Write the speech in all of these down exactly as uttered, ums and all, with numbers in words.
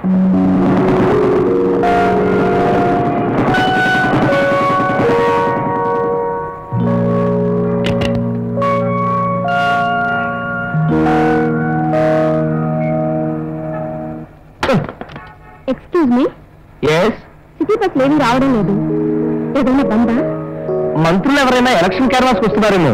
Excuse me. Yes. City bus ఏమీ రావడం లేదు. ఏదైనా బందా? మంత్రులు ఎవరైనా ఎలక్షన్ క్యాన్వాస్కి వస్తున్నారేమో.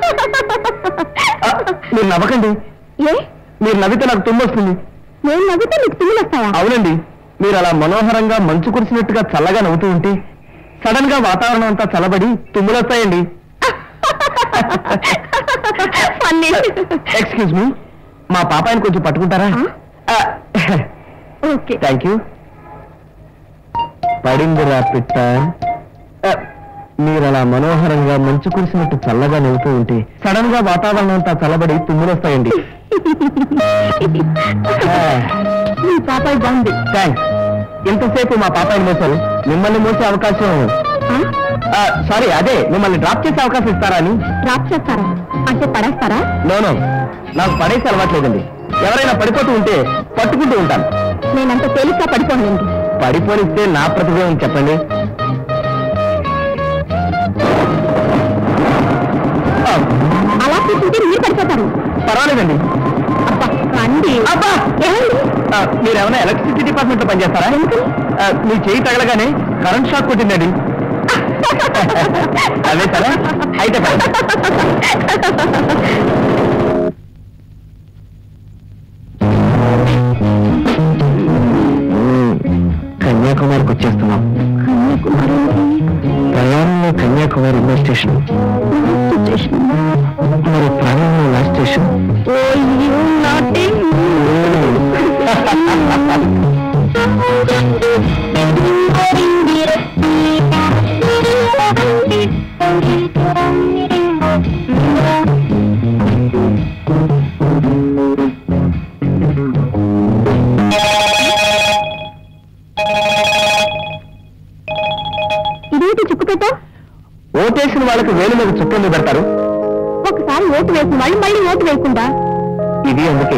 మీరు నవ్వకండి. ఏ? మీరు నవ్వితే నాకు తుమ్ము వస్తుంది. నేను నవ్వితే మీకు తుమ్ములు వస్తాయా? అవునండి. మీరు అలా మనోహరంగా మంచు కురిసినట్టుగా చల్లగా నవ్వుతూ ఉంటే సడన్ గా వాతావరణం అంతా చల్లబడి తుమ్ములు వస్తాయండి. ఎక్స్క్యూజ్ మీ, మా పాపాయిని కొంచెం పట్టుకుంటారా? Okay, thank you. పడిందిరా పిట్ట. మీరు అలా మనోహరంగా మంచు కురిసినట్టు చల్లగా నవ్వుతూ ఉంటే సడన్ గా వాతావరణం అంతా చల్లబడి తుమ్ములు వస్తాయండి. మీ పాపాయి బాగుంది. థ్యాంక్స్. ఇంతసేపు మా పాపాయిని మోసారు, మిమ్మల్ని మోసే అవకాశం. సారీ, అదే మిమ్మల్ని డ్రాప్ చేసే అవకాశం ఇస్తారా అని. డ్రాప్ చేస్తారా అంటే పడేస్తారా? నోనో, నాకు పడేసి అలవాట్లేదండి. ఎవరైనా పడిపోతూ ఉంటే పట్టుకుంటూ ఉంటాను. నేనంత తేలిగ్గా పడిపోనండి. పడిపోనిస్తే నా ప్రతిభ చెప్పండి. అలా కూర్చుంటే మీరు పడిపోతారు. పర్వాలేదండి. అబ్బా రండి. అబ్బా, ఏమండి? మీరు ఏమైనా ఎలక్ట్రిసిటీ డిపార్ట్మెంట్ లో పనిచేస్తారా? మీ చేయి తగలగానే కరెంట్ షాక్ కొట్టిందండి. అదే సరే, అయితే కన్యాకుమారికి వచ్చేస్తున్నాం. ప్రయాణంలో కన్యాకుమారి ఇండో స్టేషన్, మరి ప్రాణంలో లాస్ట్ స్టేషన్. ఇదేంటి చుక్కు పెట్టా? ఓటేసిన వాళ్ళకి వేలు మీద చుక్కలు పెడతారు. ఒకసారి ఓటు వేసి మళ్ళీ మళ్ళీ ఓటు వేయకుండా. ఇది అందుకే.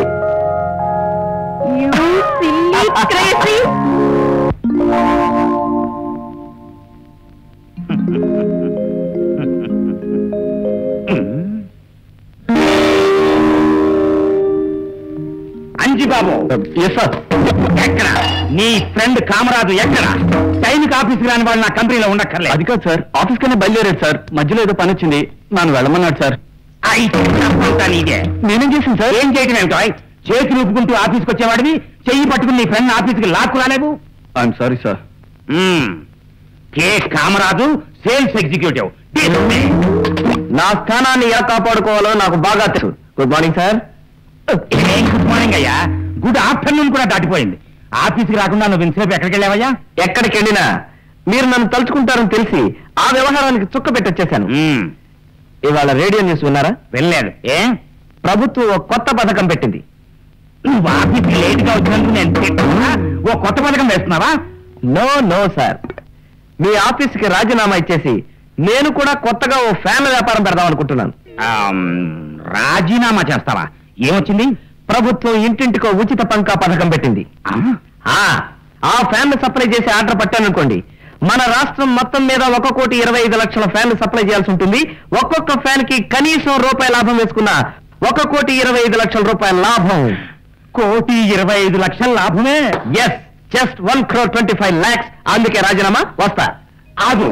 అంజిబాబు. Yes sir. ఎక్కడ నీ ఫ్రెండ్ కామరాజు? ఎక్కడ? టైంకి ఆఫీస్కి రాని వాళ్ళు నా కంపెనీలో ఉండక్కర్లేదు. అది కాదు సార్, ఆఫీస్ కన్నా బయలుదేరాడు సార్. మధ్యలో ఏదో పని వచ్చింది, నన్ను వెళ్ళమన్నాడు సార్. నీదే. నేనేం చేసింది సార్? ఏం చేయటం ఏమిటో? చేతి ఊపుకుంటూ ఆఫీస్కి వచ్చేవాడివి చెయ్యి పట్టుకుని నీ ఫ్రెండ్ ఆఫీస్కి లాక్కు రాలేవు. I'm sorry sir. K Kamaraju, sales executive. నా స్థానాన్ని ఎలా కాపాడుకోవాలో నాకు బాగా తెలుసు. Good morning sir. Good morning అయ్యా. గుడ్ ఆఫ్టర్నూన్ కూడా దాటిపోయింది. ఆఫీస్కి రాకుండా నువ్వు ఇంతసేపు ఎక్కడికి వెళ్ళావయ్యా? ఎక్కడికి వెళ్ళినా మీరు నన్ను తలుచుకుంటారని తెలిసి ఆ వ్యవహారానికి చుక్క పెట్టొచ్చేశాను. ఇవాళ రేడియో న్యూస్ విన్నారా? వెళ్ళలేదు. ఏ? ప్రభుత్వం ఒక కొత్త పథకం పెట్టింది. నువ్వు ఆఫీస్కి లేట్ గా వచ్చినందుకు నేను తిట్టుకున్నా ఓ కొత్త పథకం వేస్తున్నావా? నో నో సార్, మీ ఆఫీస్కి రాజీనామా ఇచ్చేసి నేను కూడా కొత్తగా ఓ ఫ్యాన్ వ్యాపారం పెడదాం అనుకుంటున్నాను. రాజీనామా చేస్తావా? ఏమొచ్చింది? ప్రభుత్వం ఇంటింటికో ఉచిత పంకా పథకం పెట్టింది. ఆ ఫ్యాన్ సప్లై చేసి ఆర్డర్ పట్టాననుకోండి, మన రాష్ట్రం మొత్తం మీద ఒక కోటి ఇరవై ఐదు లక్షల ఫ్యాన్లు సప్లై చేయాల్సి ఉంటుంది. ఒక్కొక్క ఫ్యాన్ కి కనీసం రూపాయి లాభం వేసుకున్న ఒక కోటి ఇరవై ఐదు లక్షల రూపాయల లాభం. కోటి ఇరవై ఐదు లక్షల లాభమే? Yes, just one crore twenty five lakhs. అందుకే రాజీనామా. వస్తా. ఆగు.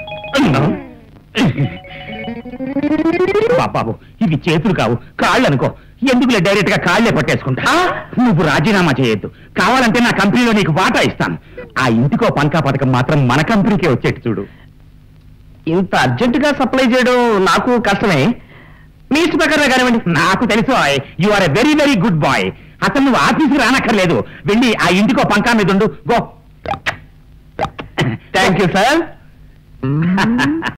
బాబు, ఇవి చేతులు కావు, కాళ్ళు అనుకో. ఎందుకులే డైరెక్ట్ గా కాళ్లే పట్టేసుకుంటా. నువ్వు రాజీనామా చేయొద్దు. కావాలంటే నా కంపెనీలో నీకు వాటా ఇస్తాను. ఆ ఇంటికో పంకా పథకం మాత్రం మన కంపెనీకే వచ్చేట్టు చూడు. ఇంత అర్జెంటుగా సప్లై చేయడం నాకు కష్టమే. మీ ఇష్ట ప్రకారం కానివ్వండి. నాకు తెలుసు, you are a very very good boy. అసలు నువ్వు ఆఫీస్కి రానక్కర్లేదు. వెళ్ళి ఆ ఇంటికో పంకా మీద ఉండు. గో. Thank you sir.